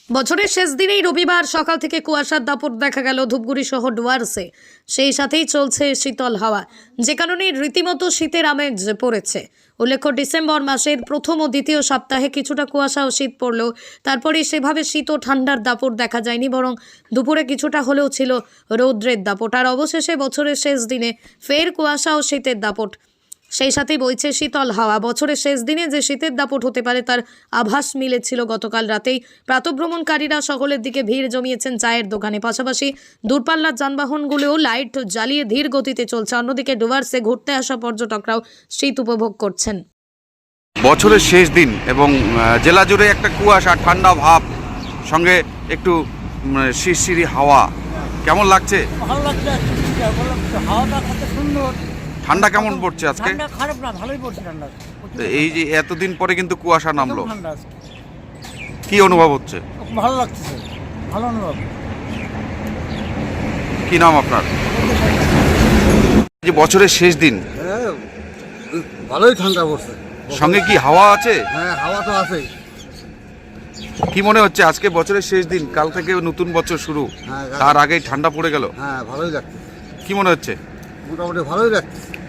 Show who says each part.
Speaker 1: বছরের শেষ দিনেই রবিবার সকাল থেকে কুয়াশার দাপট দেখা গেল ধূপগুড়ি সহ ডুয়ার্সে। সেই সাথেই চলছে শীতল হাওয়া, যে কারণে রীতিমতো শীতের আমেজ পড়েছে। উল্লেখ্য, ডিসেম্বর মাসের প্রথম ও দ্বিতীয় সপ্তাহে কিছুটা কুয়াশা ও শীত পড়লেও তারপরে সেভাবে শীত ও ঠান্ডার দাপট দেখা যায়নি, বরং দুপুরে কিছুটা হলেও ছিল রৌদ্রের দাপট। আর অবশেষে বছরের শেষ দিনে ফের কুয়াশা ও শীতের দাপট, সেই সাথেই বইছে শীতল হাওয়া। বছরের শেষ দিনে যে শীতের দাপট হতে পারে তার আভাস মিলেছিল গতকাল রাতেই। প্রাতঃভ্রমণকারীরা সকলের দিকে ভিড় জমিয়েছেন চায়ের দোকানে, পাশাপাশি দূরপাল্লার যানবাহনগুলোও লাইট জ্বালিয়ে ধীর গতিতে চলছে। অন্যদিকে ডুয়ার্সে ঘুরতে আসা পর্যটকরাও শীত উপভোগ করছেন।
Speaker 2: বছরের শেষ দিন এবং জেলা জুড়ে একটা কুয়াশা ঠান্ডা ভাব, সঙ্গে একটু শিরশিরি হাওয়া, কেমন লাগছে?
Speaker 3: ভালো লাগছে, হাওয়াটা কত সুন্দর।
Speaker 2: ঠান্ডা কেমন পড়ছে আজকে?
Speaker 3: ঠান্ডা খারাপ না, ভালোই পড়ছে ঠান্ডা।
Speaker 2: এই যে এতদিন পরে কিন্তু কুয়াশা নামলো,
Speaker 3: ঠান্ডা আজকে
Speaker 2: কি অনুভব হচ্ছে?
Speaker 3: ভালো লাগতেছে, ভালো অনুভব।
Speaker 2: কি নাম আপনার? যে বছরের শেষ দিন,
Speaker 4: হ্যাঁ, ভালোই ঠান্ডা পড়ছে।
Speaker 2: সঙ্গে কি হাওয়া আছে?
Speaker 4: হ্যাঁ, হাওয়া তো আছে।
Speaker 2: কি মনে হচ্ছে আজকে বছরের শেষ দিন, কাল থেকে নতুন বছর শুরু,
Speaker 4: হ্যাঁ,
Speaker 2: তার আগেই ঠান্ডা পড়ে গেল,
Speaker 4: হ্যাঁ, ভালোই লাগছে,
Speaker 2: কি মনে হচ্ছে?
Speaker 4: মোটামুটি ভালোই লাগছে।